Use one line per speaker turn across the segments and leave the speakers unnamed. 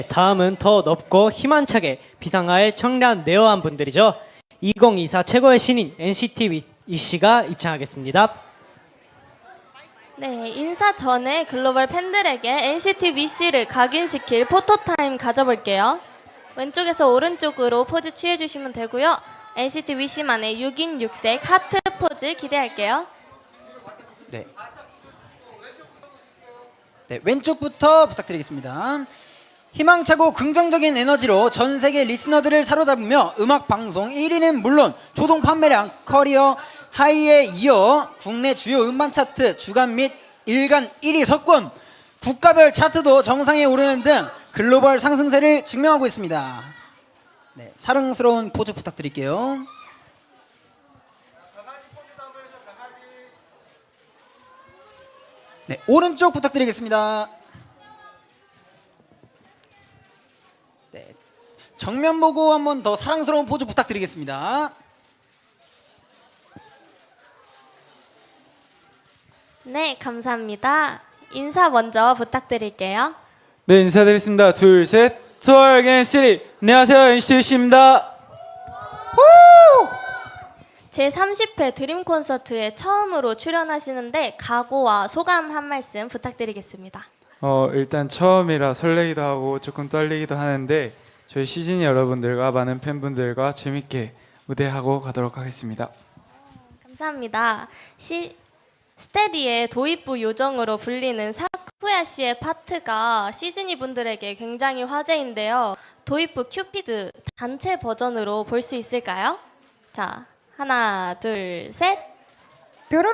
다음은 더 높고 희망차게 비상할 청량 네어한 분들이죠. 2024 최고의 신인 NCT 위시가 입장하겠습니다.
네, 인사 전에 글로벌 팬들에게 NCT 위시를 각인시킬 포토타임 가져볼게요. 왼쪽에서 오른쪽으로 포즈 취해주시면 되고요. NCT 위시만의 6인 6색 하트 포즈 기대할게요.
네. 네, 왼쪽부터 부탁드리겠습니다. 희망차고 긍정적인 에너지로 전 세계 리스너들을 사로잡으며 음악 방송 1위는 물론 조동 판매량 커리어 하이에 이어 국내 주요 음반 차트 주간 및 일간 1위 석권, 국가별 차트도 정상에 오르는 등 글로벌 상승세를 증명하고 있습니다. 네, 사랑스러운 포즈 부탁드릴게요. 네, 오른쪽 부탁드리겠습니다. 네, 정면 보고 한 번 더 사랑스러운 포즈 부탁드리겠습니다.
네, 감사합니다. 인사 먼저 부탁드릴게요.
네, 인사드리겠습니다. 둘, 셋. 투어 NCT. 안녕하세요, NCT 위시입니다.
제30회 드림 콘서트에 처음으로 출연하시는데 각오와 소감 한 말씀 부탁드리겠습니다.
일단 처음이라 설레기도 하고 조금 떨리기도 하는데 저희 시즌 여러분들과 많은 팬분들과 재밌게 무대하고 가도록 하겠습니다.
감사합니다. 스테디의 도입부 요정으로 불리는 사쿠야 씨의 파트가 시즈니 분들에게 굉장히 화제인데요. 도입부 큐피드 단체 버전으로 볼 수 있을까요? 자, 하나, 둘, 셋.
뾰로롱.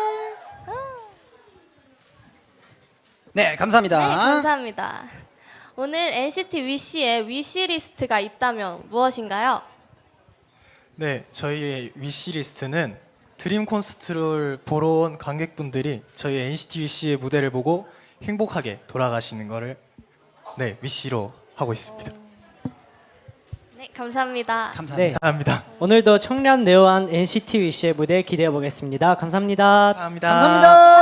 네, 감사합니다.
네, 감사합니다. 오늘 NCT 위시의 위시리스트가 있다면 무엇인가요?
네, 저희의 위시리스트는 드림 콘서트를 보러 온 관객분들이 저희 NCT 위시의 무대를 보고 행복하게 돌아가시는 거를 위시로 하고 있습니다.
네, 감사합니다.
감사합니다.
네.
감사합니다.
오늘도 청량 네어한 NCT 위시의 무대 기대해 보겠습니다. 감사합니다.
감사합니다.
감사합니다.